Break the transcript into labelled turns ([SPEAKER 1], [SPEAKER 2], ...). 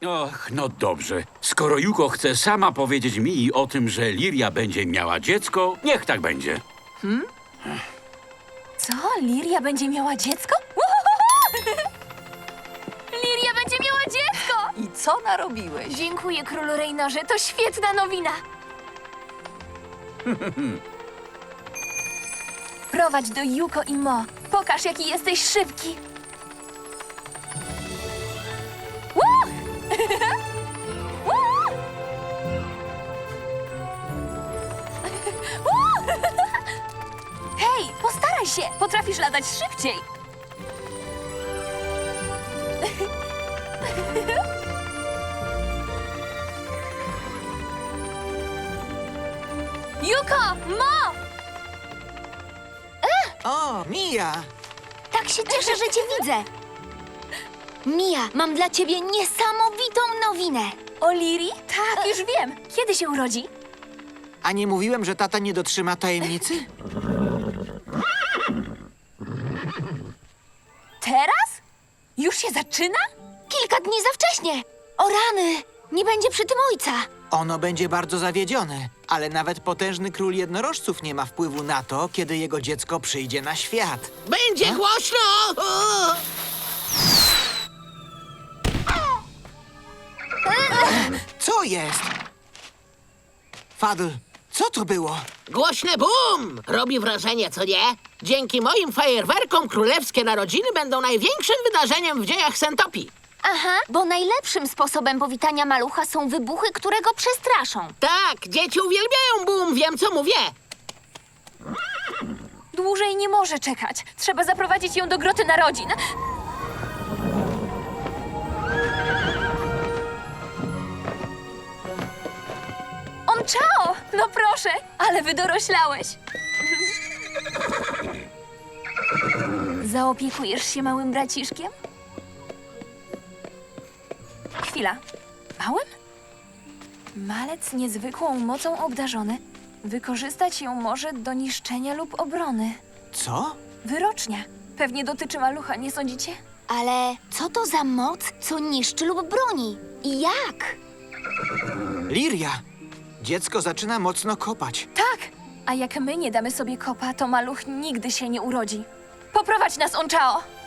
[SPEAKER 1] Och, no dobrze. Skoro Yuko chce sama powiedzieć mi o tym, że Liria będzie miała dziecko, niech tak będzie.
[SPEAKER 2] Co? Liria będzie miała dziecko? Uhuhuhu! Liria będzie miała dziecko!
[SPEAKER 3] I co narobiłeś?
[SPEAKER 2] Dziękuję, królu Reynorze, to świetna nowina. Prowadź do Yuko i Mo. Pokaż, jaki jesteś szybki. Woo! Woo! Woo! Hej, postaraj się! Potrafisz latać szybciej. Yuko! Mo!
[SPEAKER 4] O, Mia!
[SPEAKER 5] Tak się cieszę, że cię widzę. Mia, mam dla ciebie niesamowitą nowinę.
[SPEAKER 2] O Liri? Tak, już wiem. Kiedy się urodzi?
[SPEAKER 4] A nie mówiłem, że tata nie dotrzyma tajemnicy?
[SPEAKER 2] Teraz? Już się zaczyna?
[SPEAKER 5] Kilka dni za wcześnie. O rany, nie będzie przy tym ojca.
[SPEAKER 4] Ono będzie bardzo zawiedzione, ale nawet potężny król jednorożców nie ma wpływu na to, kiedy jego dziecko przyjdzie na świat.
[SPEAKER 6] Będzie głośno!
[SPEAKER 4] Co jest? Fadl, co to było?
[SPEAKER 6] Głośne bum! Robi wrażenie, co nie? Dzięki moim fajerwerkom królewskie narodziny będą największym wydarzeniem w dziejach Sentopii.
[SPEAKER 5] Aha, bo najlepszym sposobem powitania malucha są wybuchy, które go przestraszą.
[SPEAKER 6] Tak, dzieci uwielbiają bum, wiem co mówię.
[SPEAKER 2] Dłużej nie może czekać. Trzeba zaprowadzić ją do groty narodzin. Chao! No proszę, ale wydoroślałeś. Zaopiekujesz się małym braciszkiem? Chwila. Małym? Malec niezwykłą mocą obdarzony. Wykorzystać ją może do niszczenia lub obrony.
[SPEAKER 4] Co?
[SPEAKER 2] Wyrocznia. Pewnie dotyczy malucha, nie sądzicie?
[SPEAKER 5] Ale co to za moc, co niszczy lub broni? I jak?
[SPEAKER 4] Liria! Dziecko zaczyna mocno kopać.
[SPEAKER 2] Tak! A jak my nie damy sobie kopa, to maluch nigdy się nie urodzi. Poprowadź nas, Onchao!